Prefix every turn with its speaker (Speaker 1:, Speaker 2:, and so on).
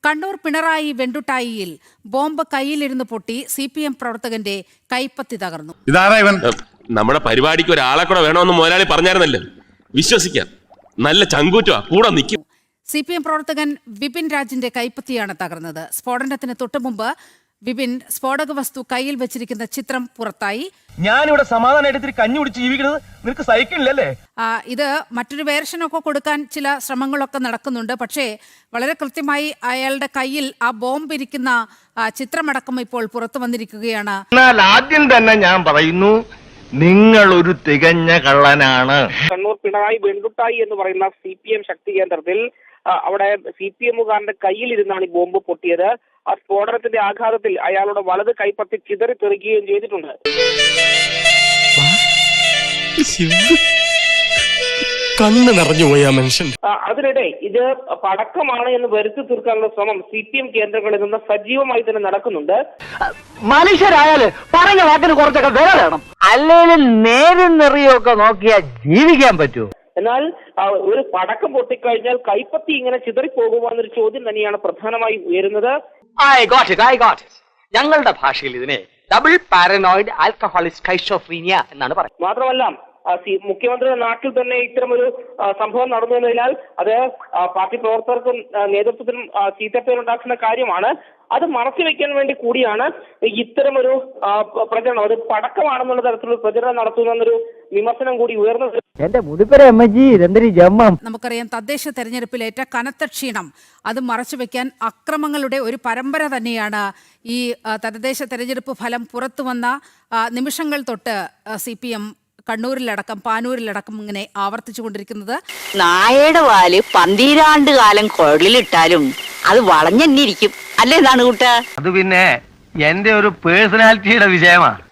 Speaker 1: കണ്ണൂർ പിണറായി വെണ്ടുട്ടായിയിൽ ബോംബ് കയ്യിലിരുന്ന് പൊട്ടി CPM പ്രവർത്തകന്റെ കൈപ്പത്തി തകർന്നു.
Speaker 2: നമ്മുടെ പരിപാടിക്ക് ഒരാളെ കൂടെ വേണമെന്ന് മുതലാളി പറഞ്ഞായിരുന്നല്ലോ. വിശ്വസിക്കാം, നല്ല ചങ്കൂറ്റുവാ, കൂടെ നിൽക്കും.
Speaker 1: CPM പ്രവർത്തകൻ വിപിൻ രാജിന്റെ കൈപ്പത്തിയാണ് തകർന്നത്. സ്ഫോടനത്തിന് തൊട്ടുമുമ്പ് വിപിൻ സ്ഫോടക വസ്തു കയ്യിൽ വെച്ചിരിക്കുന്ന ചിത്രം പുറത്തായി.
Speaker 3: ഞാനിവിടെ സമാധാനമായിട്ട് കഞ്ഞി കുടിച്ച് ജീവിക്കുന്നത് നിനക്ക് സഹിക്കില്ലല്ലേ?
Speaker 1: ഇത് മറ്റൊരു വേർഷനൊക്കെ കൊടുക്കാൻ ചില ശ്രമങ്ങളൊക്കെ നടക്കുന്നുണ്ട്. പക്ഷേ വളരെ കൃത്യമായി അയാളുടെ കയ്യിൽ ആ ബോംബ് ഇരിക്കുന്ന ചിത്രമടക്കം ഇപ്പോൾ പുറത്തു വന്നിരിക്കുകയാണ്.
Speaker 3: എന്നാൽ ആദ്യം തന്നെ ഞാൻ പറയുന്നു, നിങ്ങൾ ഒരു തികഞ്ഞ കള്ളനാണ്.
Speaker 4: കണ്ണൂർ പിണറായി വെണ്ടുട്ടായി എന്ന് പറയുന്ന CPM ശക്തി കേന്ദ്രത്തിൽ അവിടെ CPMകാരന്റെ കയ്യിലിരുന്നാണ് ഈ ബോംബ് പൊട്ടിയത്. ആ സ്ഫോടനത്തിന്റെ ആഘാതത്തിൽ അയാളുടെ വലത് കൈപ്പത്തി ചിതറിത്തെറിക്കുകയും ചെയ്തിട്ടുണ്ട്.
Speaker 5: കണ്ണ് നിറഞ്ഞു പോയി ആ മനുഷ്യൻ.
Speaker 4: അതിനിടെ ഇത് പടക്കമാണ് എന്ന് വരുത്തി തീർക്കാനുള്ള ശ്രമം CPM കേന്ദ്രങ്ങളിൽ നിന്ന് സജീവമായി തന്നെ നടക്കുന്നുണ്ട്.
Speaker 6: മനുഷ്യരായാല് പറഞ്ഞ വാക്കിന് കുറച്ചൊക്കെ വില വേണം, അല്ലെങ്കിൽ നേരും നെറിയൊക്കെ നോക്കിയാൽ ജീവിക്കാൻ പറ്റൂ.
Speaker 4: എന്നാൽ ഒരു പടക്കം പൊട്ടിക്കഴിഞ്ഞാൽ കൈപ്പത്തി ഇങ്ങനെ ചിതറിപ്പോകുമോ എന്നൊരു ചോദ്യം തന്നെയാണ് പ്രധാനമായി ഉയരുന്നത്.
Speaker 6: ഞങ്ങളുടെ ഭാഷയിൽ ഇതിനെ ഡബിൾ പാരനോയിഡ് ആൽക്കഹോളിക് സ്കൈസോഫ്രീനിയ എന്നാണ് പറയുന്നത്.
Speaker 4: മാത്രമല്ല മുഖ്യമന്ത്രിയുടെ നാട്ടിൽ തന്നെ ഇത്തരമൊരു സംഭവം നടന്നു എന്നതിനാൽ അത് പാർട്ടി പ്രവർത്തകർക്കും നേതൃത്വത്തിനും ചീത്തപ്പേരുണ്ടാക്കുന്ന കാര്യമാണ്. അത് മറച്ചുവെക്കാൻ വേണ്ടി കൂടിയാണ് ഇത്തരമൊരു പ്രചരണം, അത് പടക്കമാണെന്നുള്ള തരത്തിലുള്ള പ്രചരണം നടത്തുന്നൊരു വിമർശനം കൂടി ഉയർന്നത്.
Speaker 1: നമുക്കറിയാം, തദ്ദേശ തെരഞ്ഞെടുപ്പിലേറ്റ കനത്ത ക്ഷീണം അത് മറച്ചുവെക്കാൻ അക്രമങ്ങളുടെ ഒരു പരമ്പര തന്നെയാണ് ഈ തദ്ദേശ തെരഞ്ഞെടുപ്പ് ഫലം പുറത്തു വന്ന നിമിഷങ്ങൾ തൊട്ട് CPM കണ്ണൂരിലടക്കം പാനൂരിലടക്കം ഇങ്ങനെ ആവർത്തിച്ചുകൊണ്ടിരിക്കുന്നത്.
Speaker 7: നായയുടെ വാല് 12 കാലം കുഴലിലിട്ടാലും അത് വളഞ്ഞെന്നിരിക്കും അല്ലേ? ഇതാണ് കൂട്ട.
Speaker 6: അത് പിന്നെ എന്റെ ഒരു പേഴ്സണാലിറ്റിയുടെ വിഷയമാണ്.